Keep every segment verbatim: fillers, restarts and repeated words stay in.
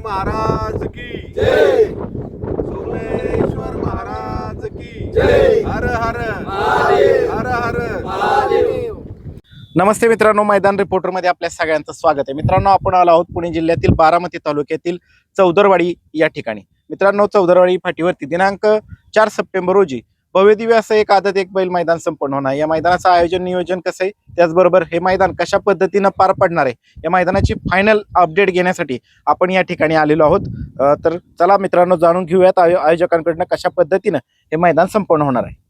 महाराज की जय, सोमेश्वर महाराज की जय, हर हर महादेव, हर हर महादेव। नमस्ते मित्रांनो, मैदान रिपोर्टर मध्ये आपल्या सगळ्यांचं स्वागत आहे। मित्रांनो, आपण आलो आहोत पुणे जिल्ह्यातील बारामती तालुक्यातील चौदरवाडी या ठिकाणी। मित्रांनो, चौदरवाडी फाटीवरती दिनांक चार सप्टेंबर रोजी भव्य दिव्य असं एक आदत एक बैल मैदान संपन्न होणार आहे। या मैदानाचं आयोजन नियोजन कसं आहे, त्याचबरोबर हे मैदान कशा पद्धतीनं पार पडणार आहे, या मैदानाची फायनल अपडेट घेण्यासाठी आपण या ठिकाणी आलेलो आहोत। तर चला मित्रांनो, जाणून घेऊयात आयोजकांकडून कशा पद्धतीनं हे मैदान संपन्न होणार आहे।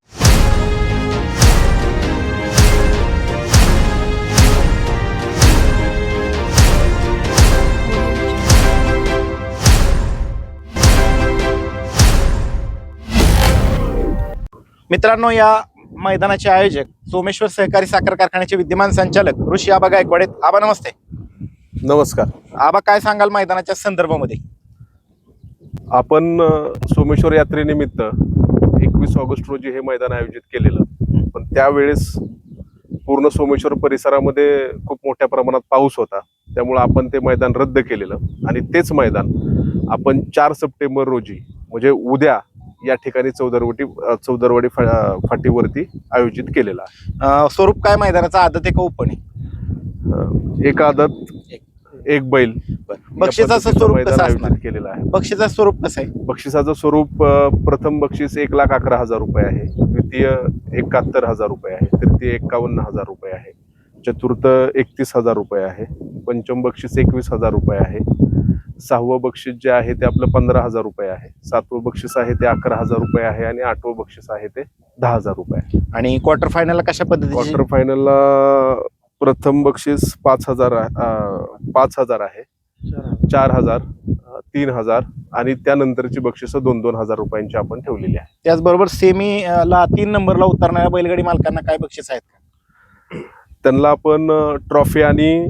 मित्रांनो, या मैदानाचे आयोजक सोमेश्वर सहकारी साखर कारखान्याचे विद्यमान संचालक ऋषी आबा गायकवाड आहेत। आबा नमस्ते। नमस्कार आबा, काय सांगाल मैदानाच्या संदर्भामध्ये? आपण सोमेश्वर यात्रेनिमित्त एकवीस ऑगस्ट रोजी हे मैदान आयोजित केलेलं, पण त्यावेळेस पूर्ण सोमेश्वर परिसरामध्ये खूप मोठ्या प्रमाणात पाऊस होता, त्यामुळे आपण ते मैदान रद्द केलेलं आणि तेच मैदान आपण चार सप्टेंबर रोजी म्हणजे उद्या या ठिकाणी चौदरवाडी चौदरवाडी फाटीवरती आयोजित केलेला आहे। स्वरूप काय मैदानाचा? आदत एक ओपन आहे, एक आदत एक बैल। बक्षिसाचं स्वरूप कसं असणार केलेलं आहे? बक्षिसाचं स्वरूप कसं आहे? बक्षिसाचं स्वरूप प्रथम बक्षीस एक लाख अकरा हजार रुपये आहे, द्वितीय एकाहत्तर हजार रुपये आहे, तृतीय एक्कावन्न हजार रुपये आहे, चतुर्थ एकतीस हजार रुपये आहे, पंचम बक्षीस एकवीस हजार रुपये आहे, सहावं बक्षीस जे आहे ते आपलं पंधरा हजार रुपये आहे, सातवं बक्षीस आहे ते अकरा हजार रुपये आहे आणि आठवं बक्षीस आहे ते दहा हजार रुपये आहे। आणि क्वार्टर फायनलला कशा पद्धतीने? क्वार्टर फायनलला प्रथम बक्षीस पाच हजार पाच हजार आहे, चार हजार, तीन हजार आणि त्यानंतरची बक्षिस दोन दोन हजार रुपयांची आपण ठेवलेली आहे। त्याचबरोबर सेमी ला तीन नंबरला उतरणाऱ्या बैलगाडी मालकांना काय बक्षीस आहेत का? त्यांना आपण ट्रॉफी आणि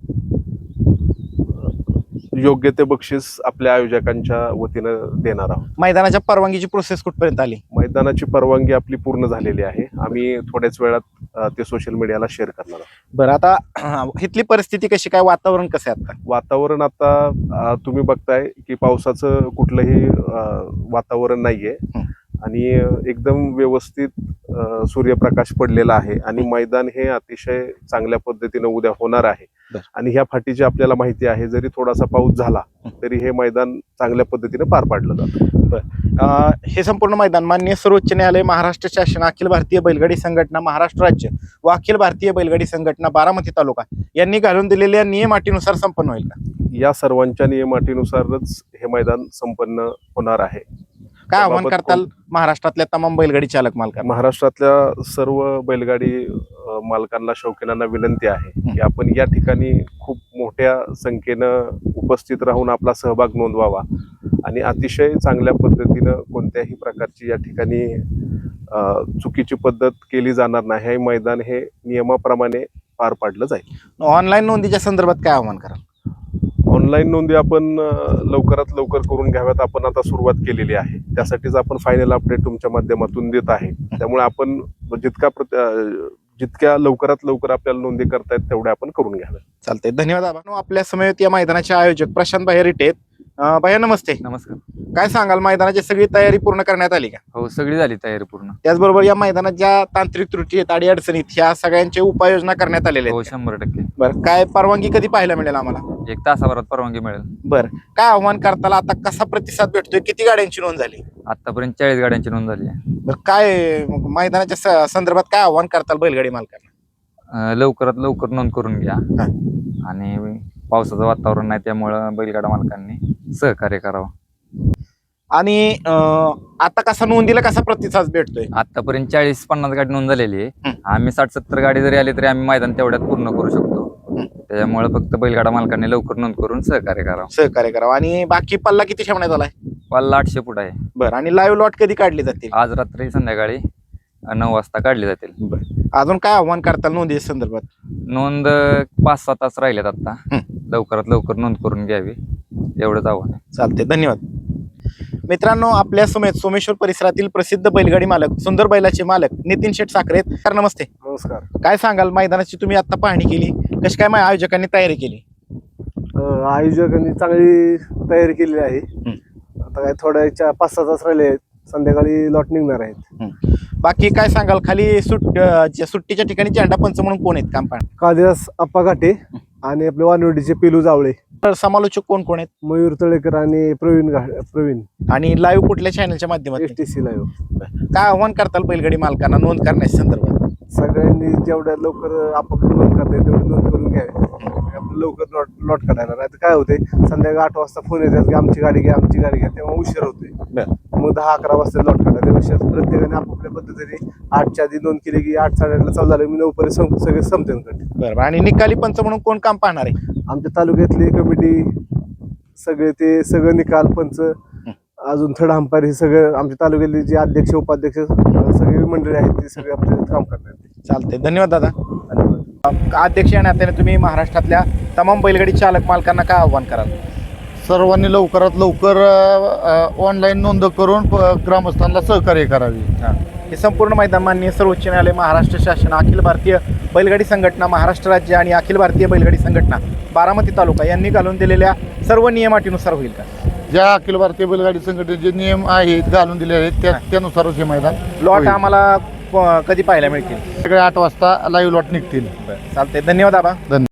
योग्य ते बक्षीस आपल्या आयोजकांच्या वतीनं देणार आहोत। मैदानाच्या परवानगीची प्रोसेस कुठपर्यंत आली? मैदानाची परवानगी आपली पूर्ण झालेली आहे, आम्ही थोड्याच वेळात ते सोशल मीडियाला शेअर करणार आहोत। बरं, आता इथली परिस्थिती कशी काय, वातावरण कसं आहे आता? वातावरण आता तुम्ही बघताय की पावसाचं कुठलंही वातावरण नाहीये आणि एकदम व्यवस्थित सूर्यप्रकाश पडलेला आहे आणि मैदान हे अतिशय चांगल्या पद्धतीने उद्या होणार आहे। आणि ह्या फाटीची आपल्याला माहिती आहे, जरी थोडासा पाऊस झाला तरी हे मैदान चांगल्या पद्धतीने पार पाडलं जातं। हे संपूर्ण मैदान माननीय सर्वोच्च न्यायालय, महाराष्ट्र शासन, अखिल भारतीय बैलगाडी संघटना महाराष्ट्र राज्य व अखिल भारतीय बैलगाडी संघटना बारामती तालुका यांनी घालून दिलेल्या नियम अटीनुसार संपन्न होईल का? या सर्वांच्या नियम अटीनुसारच हे मैदान संपन्न होणार आहे। काय आव्हान करताल महाराष्ट्रातल्या तमाम बैलगाडी चालक मालकांना? महाराष्ट्रातल्या सर्व बैलगाडी मालकांना, शौकीनांना विनंती आहे की आपण या ठिकाणी खूप मोठ्या संख्येनं उपस्थित राहून आपला सहभाग नोंदवावा आणि अतिशय चांगल्या पद्धतीनं कोणत्याही प्रकारची या ठिकाणी चुकीची पद्धत केली जाणार नाही। हे मैदान हे नियमाप्रमाणे पार पाडलं जाईल। ऑनलाईन नोंदीच्या संदर्भात काय आव्हान कराल? ऑनलाईन नोंदी आपण लवकरात लवकर करून घ्याव्यात, आपण आता सुरुवात केलेली आहे, त्यासाठीच आपण फायनल अपडेट तुमच्या माध्यमातून देत आहे। त्यामुळे आपण जितका जितक्या लवकरात लवकर आपल्याला नोंदी करतायत तेवढ्या आपण करून घ्याव्या। चालतंय, धन्यवाद। आपण आपल्या समेत या मैदानाचे आयोजक प्रशांत भाई रिटे आहेत। भैया नमस्ते। नमस्कार। काय सांगाल, मैदानाची सगळी तयारी पूर्ण करण्यात आली का? हो, सगळी झाली तयारी पूर्ण। त्याचबरोबर या मैदानात ज्या तांत्रिक त्रुटी आहेत, अडी अडचणीत, ह्या सगळ्यांची उपाययोजना करण्यात आलेल्या हो, आहेत? शंभर टक्के। बरं, काय परवानगी कधी पाहायला मिळेल आम्हाला? एक तासाभरात परवानगी मिळेल। बरं, काय आव्हान करताला? आता कसा प्रतिसाद भेटतोय? किती गाड्यांची नोंद झाली? आतापर्यंत चाळीस गाड्यांची नोंद झाली आहे। बरं, काय मैदानाच्या संदर्भात काय आव्हान करताल बैलगाडी मालकांना? लवकरात लवकर नोंद करून घ्या आणि पावसाचं वातावरण नाही त्यामुळं बैलगाडा मालकांनी सहकार्य करावं। आणि आता कसा नोंदीला कसा प्रतिसाद भेटतोय? आतापर्यंत चाळीस पन्नास गाडी नोंद झालेली आहे। आम्ही साठ सत्तर गाडी जरी आली तरी आम्ही मैदान तेवढ्यात पूर्ण करू शकतो, त्याच्यामुळे फक्त बैलगाडा मालकांनी लवकर नोंद करून सहकार्य करावं सहकार्य करावं आणि बाकी पल्ला किती ठेवण्यात आलाय? पल्ला आठशे फूट आहे। बरं, आणि लाईव्ह लॉट कधी काढली जातील? आज रात्री संध्याकाळी नऊ वाजता काढली जातील। बरं, अजून काय आव्हान करताल नोंदी संदर्भात? नोंद पाच सहा तास राहिल्यात, आता लवकरात लवकर नोंद करून घ्यावी एवढंच आव्हान आहे। चालते, धन्यवाद। मित्रांनो, आपल्या समेत सोमेश्वर परिसरातील प्रसिद्ध बैलगाडी मालक, सुंदर बैलाचे मालक नितीन शेठ साखरे आहेत। सर नमस्ते। नमस्कार। काय सांगाल, मैदानाची तुम्ही आता पाहणी केली, कशी काय आयोजकांनी तयारी केली? अं, आयोजकांनी चांगली तयारी केलेली आहे. आता काय थोड्या पाच सहा तास राहिले आहेत, संध्याकाळी लॉट निघणार आहेत. बाकी काय सांगाल, खाली सुट अं, ज्या सुट्टीच्या ठिकाणी झेंडा पंच म्हणून कोण आहेत काम पाहणार? कालिदास आप्पा घाटे आणि आपले वानवडीचे पेलू जावळे, तर समालोचक कोण कोण आहेत मयूर तळेकर आणि प्रवीण घा प्रवीण आणि लाईव्ह कुठल्या चॅनलच्या माध्यमातून? S T C live. काय आव्हान करताल बैलगाडी मालकांना नोंद करण्याच्या संदर्भात? सगळ्यांनी जेवढ्या लवकर आपापली नोंद करता येईल तेवढी नोंद करून घ्यावी. आपलं लवकर लॉट लॉट काढायला, नाही तर काय होते संध्याकाळी आठ वाजता फोन येतात की आमची गाडी घ्या आमची गाडी घ्या, तेव्हा उशीर होते. मग दहा अकरा वाजता लॉट काढा. त्यापेक्षा प्रत्येकाने आपापल्या पद्धतीने आठच्या आधी नोंद केली की आठ साडेआठला चालू झालं मी नऊपर्यंत सं सगळे संपते गट. बरं, आणि निकाली पंच म्हणून कोण काम पाहणार आहे? आमच्या तालुक्यातली कमिटी सगळे ते सगळं निकाल पंच अजून थर्ड अंपायर हे सगळं आमच्या तालुक्यातले जे अध्यक्ष उपाध्यक्ष सगळी मंडळी आहेत ते सगळे आपल्या काम करणार. चालते, धन्यवाद दादा. धन्यवाद. अध्यक्ष या नात्याने तुम्ही महाराष्ट्रातल्या तमाम बैलगाडी चालक मालकांना काय आव्हान कराल? सर्वांनी लवकरात लवकर ऑनलाईन नोंद करून प- ग्रामस्थांना सहकार्य करावे. हे संपूर्ण मैदान माननीय सर्वोच्च न्यायालय, महाराष्ट्र शासन, अखिल भारतीय बैलगाडी संघटना, महाराष्ट्र राज्य आणि अखिल भारतीय बैलगाडी संघटना बारामती तालुका यांनी घालून दिलेल्या सर्व नियमाटीनुसार होईल का? ज्या अखिल भारतीय बैलगाडी संघटनेचे नियम आहेत घालून दिले आहेत त्या त्यानुसारच हे मैदान लॉट होईल. आम्हाला प- कधी पाहायला मिळतील? सगळे आठ वाजता लाईव्ह लॉट निघतील. चालते, धन्यवाद आबा. धन्यवाद.